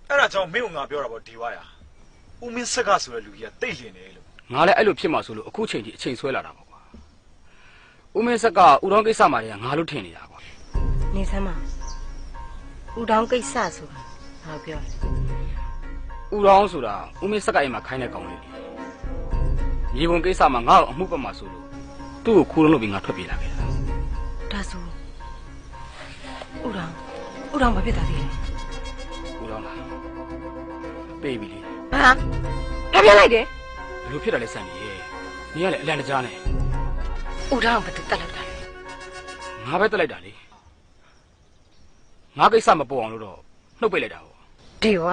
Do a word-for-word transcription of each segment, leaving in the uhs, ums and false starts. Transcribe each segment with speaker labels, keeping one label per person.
Speaker 1: အဲ့ဒါကြောင့်မင်းကငါပြောတာပေါ့ဒီဝါရဦးမင်းဆက်ကဆိုတဲ့လူကြီးကတိတ်လင်တယ်လို့
Speaker 2: ငါလည်းအဲ့လိုဖြစ်မှာဆိုလို့အခုချိန်ထိအချိန်ဆွဲလာတာပေါ့ကွာဦးမင်းဆက်ကဦးတော်ကိစ္စမှာတည်းကငါလို့ထင်နေတာကွာ
Speaker 3: နေစမ်းမဦးတော်ကိစ္စဆိုတာငါပြော
Speaker 2: ဦးတော်ဆိုတာဦးမင်းဆက်ကအိမ်မှာခိုင်းတဲ့ကောင်လေးမြေပုံကိစ္စမှာငါ့ကိုအမှုပတ်မှာဆိုလို့သူ့ကိုခိုးလုံးလုပ်ပြီးငါထွက်ပြေးလာခဲ့တာ
Speaker 3: ဒါဆိုဦးတော်ဦးတော်ဘာဖြစ်တာလဲ
Speaker 2: ဦးတော်လားပေးပြီလေ
Speaker 3: ဟာဖျက်လိုက်တယ်
Speaker 2: ဘယ်လိုဖြစ်တာလဲစံနေရဲ့နေရလေအလန့်တကြားနဲ့
Speaker 3: ဦးတော်ကဘယ်သူတက်လိုက်တာလဲ
Speaker 2: ငါပဲတက်လိုက်တာလေငါကိစ္စမပေါ်အောင်လို့တော့နှုတ်ပိတ်လိုက်တာပေါ့
Speaker 3: ဒီက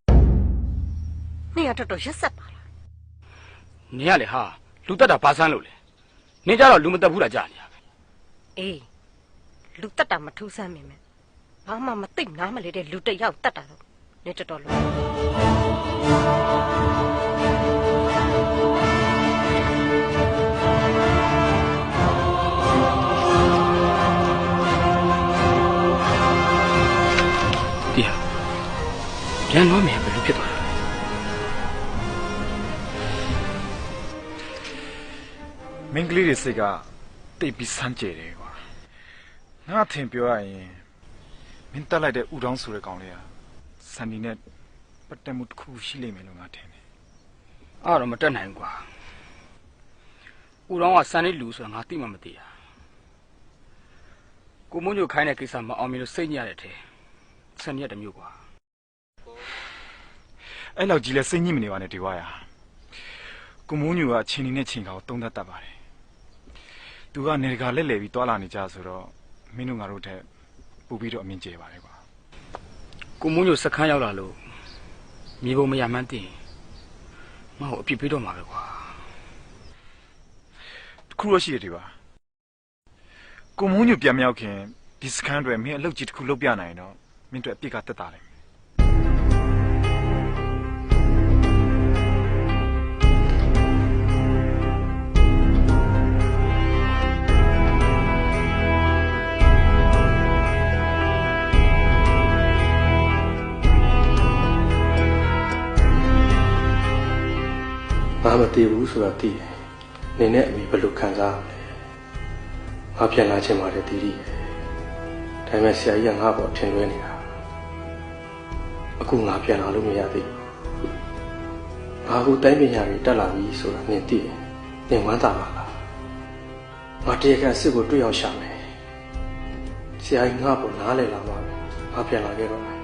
Speaker 3: နေရတော်တော်ရက်ဆက်ပါလား
Speaker 2: နေရလေဟာလူတက်တာဘာဆန်းလို့လဲနေကြတော့လူမတက်ဘူးလားကြာနေရပဲ
Speaker 3: အေးလူတက်တာမထူးဆန်းမိမယ်ဘာမှမသိနားမလဲတဲ့လူတစ်ယောက်တက်တာတော့နေတော်တော်လို့
Speaker 2: ဒီဟာပြန်လို့မယ်ဘယ်လိုဖြစ်သွားတာလဲ
Speaker 1: မင်းကလေးတွေစိတ်ကတိတ်ပြီးစမ်းကြယ်တယ်ကွာငါထင်ပြောရရင်မင်းတက်လိုက်တဲ့ဦးတောင်းဆိုတဲ့ကောင်လေးကစန်ဒီနဲ့ပတ်သက်မှုတစ်ခုရှိလိမ့်မယ်လို့ငါထင်တယ်
Speaker 2: အဲ့တော့မတက်နိုင်ဘူးကွာဦးတောင်းကစန်ဒီလူဆိုတာငါသိမှမသိတာကိုမုန်းညိုခိုင်းတဲ့ကိစ္စမအောင်မြင်လို့စိတ်ညစ်ရတဲ့ထဲစန်ဒီရတမျိုးကွာ
Speaker 1: အဲ့လောက်ကြီးလဲစိတ်ညစ်မနေပါနဲ့ဒီဝါရကိုမုန်းညိုကအချင်းနဲ့ချင်းကောင်တုံးသက်တတ်ပါတယ်သူကနေတကာလက်လဲပြီးတွာလာနေကြဆိုတော့မင်းတို့ငါတို့ထက်ပို့ပြီးတော့အမြင်ကျပါတယ်ကွာ
Speaker 2: ကိုမုန်းညိုစခန်းရောက်လာလို့မြေပုံမရမှန်းသိရင်ငါ့ကိုအပြစ်ပေးတော့မှာပဲကွာ
Speaker 1: တခုတော့ရှိတယ်ဒီပါကိုမုန်းညိုပြန်မရောက်ခင်ဒီစခန်းတွေမင်းအလုပ်ကြီးတစ်ခုလုပ်ပြနိုင်တော့မင်းတို့အပြစ်ကတက်တာလေ
Speaker 4: ငါမတည်ဘူးဆိုတာသိတယ်။နေနဲ့အမိဘယ်လိုခံစားရလဲ။ငါပြန်လာချင်ပါတယ်တီတီ။ဒါပေမဲ့ဆရာကြီးကငါ့ဘောထင်လွဲနေတာ။အခုငါပြန်လာလို့မရသေးဘူး။ငါအခုတိုင်းပညာတွေတက်လာပြီဆိုတာနင်သိတယ်။နင်ဝမ်းသာပါလား။ငါတရားခံစစ်ကိုတွေ့အောင်ရှာမယ်။ဆရာကြီးငါ့ဘောနားလည်လာမှာပဲ။ငါပြန်လာခဲ့တော့မယ်